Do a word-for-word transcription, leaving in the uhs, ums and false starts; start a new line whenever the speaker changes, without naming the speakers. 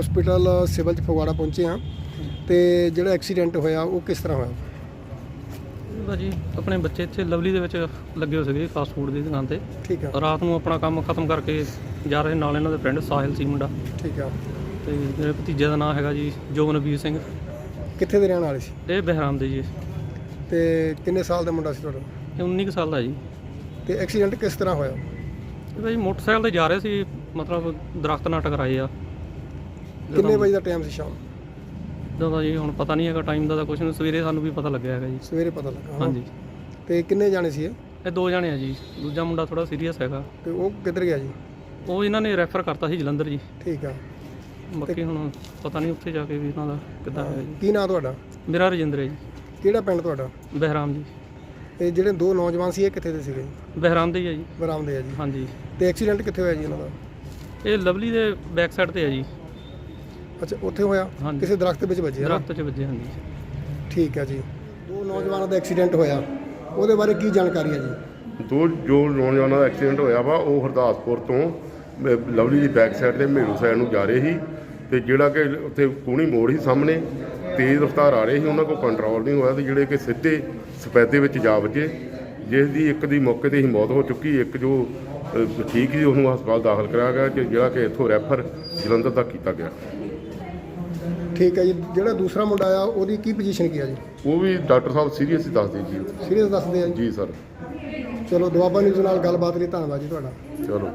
Hospital civil 'ਚ ਫਗਵਾੜਾ ਪਹੁੰਚੇ ਹਾਂ ਤੇ ਜਿਹੜਾ ਐਕਸੀਡੈਂਟ ਹੋਇਆ ਉਹ ਕਿਸ ਤਰ੍ਹਾਂ ਹੋਇਆ?
ਭਾਜੀ ਆਪਣੇ ਬੱਚੇ ਇੱਥੇ ਲਵਲੀ ਦੇ ਵਿੱਚ ਲੱਗੇ ਹੋ ਸੀਗੇ ਫਾਸਟ ਫੂਡ ਦੀ ਦੁਕਾਨ ਤੇ।
ਠੀਕ ਆ।
ਰਾਤ ਨੂੰ ਆਪਣਾ ਕੰਮ ਖਤਮ ਕਰਕੇ ਜਾ ਰਹੇ ਨਾਲ ਇਹਨਾਂ ਦੇ ਫਰੈਂਡ ਸਾਹਿਲ ਸੀ ਮੁੰਡਾ।
ਠੀਕ ਆ।
ਤੇ ਮੇਰੇ ਭਤੀਜੇ ਦਾ ਨਾਮ ਹੈਗਾ ਜੀ ਜੋਗਨਵੀਰ ਸਿੰਘ।
ਕਿੱਥੇ ਦੇ ਰਹਿਣ ਵਾਲੇ ਸੀ?
ਇਹ ਬਹਿਰਾਮ ਦੇ ਜੀ।
ਤੇ ਕਿੰਨੇ ਸਾਲ ਦਾ ਮੁੰਡਾ ਸੀ ਤੁਹਾਡਾ?
ਇਹ ਉੱਨੀ ਕੁ ਸਾਲ ਦਾ ਜੀ।
ਤੇ ਐਕਸੀਡੈਂਟ ਕਿਸ ਤਰ੍ਹਾਂ ਹੋਇਆ?
ਇਹ ਭਾਜੀ ਮੋਟਰਸਾਈਕਲ ਤੇ ਜਾ ਰਹੇ ਸੀ, ਮਤਲਬ ਦਰਖਤ ਨਾਲ ਟਕਰਾਏ ਆ।
ਕਿੰਨੇ ਵਜੇ ਦਾ ਟਾਈਮ ਸੀ ਸ਼ਾਮ?
ਜਦੋਂ ਦਾ ਜੀ ਹੁਣ ਪਤਾ ਨਹੀਂ ਹੈਗਾ ਟਾਈਮ ਦਾ ਤਾਂ ਕੁਛ ਨਹੀਂ, ਸਵੇਰੇ ਸਾਨੂੰ ਵੀ ਪਤਾ ਲੱਗਿਆ ਹੈਗਾ ਜੀ।
ਸਵੇਰੇ ਪਤਾ ਲੱਗਾ?
ਹਾਂਜੀ।
ਤੇ ਕਿੰਨੇ ਜਾਣੇ ਸੀ ਇਹ?
ਇਹ ਦੋ ਜਾਣੇ ਆ ਜੀ, ਦੂਜਾ ਮੁੰਡਾ ਥੋੜਾ ਸੀਰੀਅਸ ਹੈਗਾ।
ਤੇ ਉਹ ਕਿੱਧਰ ਗਿਆ ਜੀ?
ਉਹ ਇਹਨਾਂ ਨੇ ਰੈਫਰ ਕਰਤਾ ਸੀ ਜਲੰਧਰ ਜੀ।
ਠੀਕ ਆ।
ਬਾਕੀ ਹੁਣ ਪਤਾ ਨਹੀਂ ਉੱਥੇ ਜਾ ਕੇ ਵੀ ਇਹਨਾਂ ਦਾ ਕਿੱਦਾਂ ਹੈਗਾ ਜੀ।
ਕੀ ਨਾਂ ਤੁਹਾਡਾ?
ਮੇਰਾ ਰਜਿੰਦਰ ਹੈ ਜੀ।
ਕਿਹੜਾ ਪਿੰਡ ਤੁਹਾਡਾ?
ਬਹਿਰਾਮ ਜੀ।
ਇਹ ਜਿਹੜੇ ਦੋ ਨੌਜਵਾਨ ਸੀ ਇਹ ਕਿੱਥੇ ਦੇ ਸੀਗੇ?
ਬਹਿਰਾਮ ਦੇ ਹੀ ਆ ਜੀ।
ਬਰਾਮ ਦੇ ਆ ਜੀ।
ਹਾਂਜੀ।
ਤੇ ਐਕਸੀਡੈਂਟ ਕਿੱਥੇ ਹੋਇਆ ਜੀ ਇਹਨਾਂ ਦਾ?
ਇਹ ਲਵਲੀ ਦੇ ਬੈਕ ਸਾਈਡ ਤੇ ਆ ਜੀ।
ਅੱਛਾ, ਉੱਥੇ ਹੋਇਆ?
ਹਾਂਜੀ।
ਕਿਸੇ ਦਰਖਤ ਵਿੱਚ ਵੱਜਿਆ?
ਦਰਖਤ 'ਚ ਵੱਜੇ। ਹਾਂਜੀ।
ਠੀਕ ਹੈ ਜੀ। ਦੋ ਨੌਜਵਾਨਾਂ ਦਾ ਐਕਸੀਡੈਂਟ ਹੋਇਆ, ਉਹਦੇ ਬਾਰੇ ਕੀ ਜਾਣਕਾਰੀ ਹੈ ਜੀ?
ਦੋ ਜੋ ਨੌਜਵਾਨਾਂ ਦਾ ਐਕਸੀਡੈਂਟ ਹੋਇਆ ਵਾ ਉਹ ਹਰਦਾਸਪੁਰ ਤੋਂ ਅਹ, ਲਵਲੀ ਦੀ ਬੈਕ ਸਾਈਡ ਤੇ ਮੇਰੂ ਸਾਈਡ ਨੂੰ ਜਾ ਰਹੇ ਸੀ ਤੇ ਜਿਹੜਾ ਕਿ ਉੱਥੇ ਕੂਣੀ ਮੋੜ ਸੀ ਸਾਹਮਣੇ, ਤੇਜ਼ ਰਫ਼ਤਾਰ ਆ ਰਹੇ ਸੀ, ਉਹਨਾਂ ਕੋਲ ਕੰਟਰੋਲ ਨਹੀਂ ਹੋਇਆ ਤੇ ਜਿਹੜੇ ਕਿ ਸਿੱਧੇ ਸਪੈਦੇ ਵਿੱਚ ਜਾ ਵੱਜੇ, ਜਿਸ ਦੀ ਇੱਕ ਦੀ ਮੌਕੇ ਤੇ ਹੀ ਮੌਤ ਹੋ ਚੁੱਕੀ। ਇੱਕ ਜੋ ਅਹ, ਠੀਕ ਸੀ ਉਹਨੂੰ ਹਸਪਤਾਲ ਦਾਖਲ ਕਰਾਇਆ ਗਿਆ ਕਿ ਜਿਹੜਾ ਕਿ ਇੱਥੋਂ ਰੈਫਰ ਜਲੰਧਰ ਤੱਕ ਕੀਤਾ ਗਿਆ।
ਠੀਕ ਹੈ ਜੀ। ਜਿਹੜਾ ਦੂਸਰਾ ਮੁੰਡਾ ਆ ਉਹਦੀ ਕੀ ਪੋਜੀਸ਼ਨ ਕੀ ਆ ਜੀ?
ਉਹ ਵੀ ਡਾਕਟਰ ਸਾਹਿਬ ਸੀਰੀਅਸ ਹੀ ਦੱਸਦੇ ਜੀ।
ਸੀਰੀਅਸ ਦੱਸਦੇ ਆ ਜੀ?
ਜੀ ਸਰ।
ਚਲੋ ਦੁਆਬਾ ਨਿਊਜ਼ ਨਾਲ ਗੱਲਬਾਤ ਲਈ ਧੰਨਵਾਦ ਜੀ ਤੁਹਾਡਾ।
ਚਲੋ।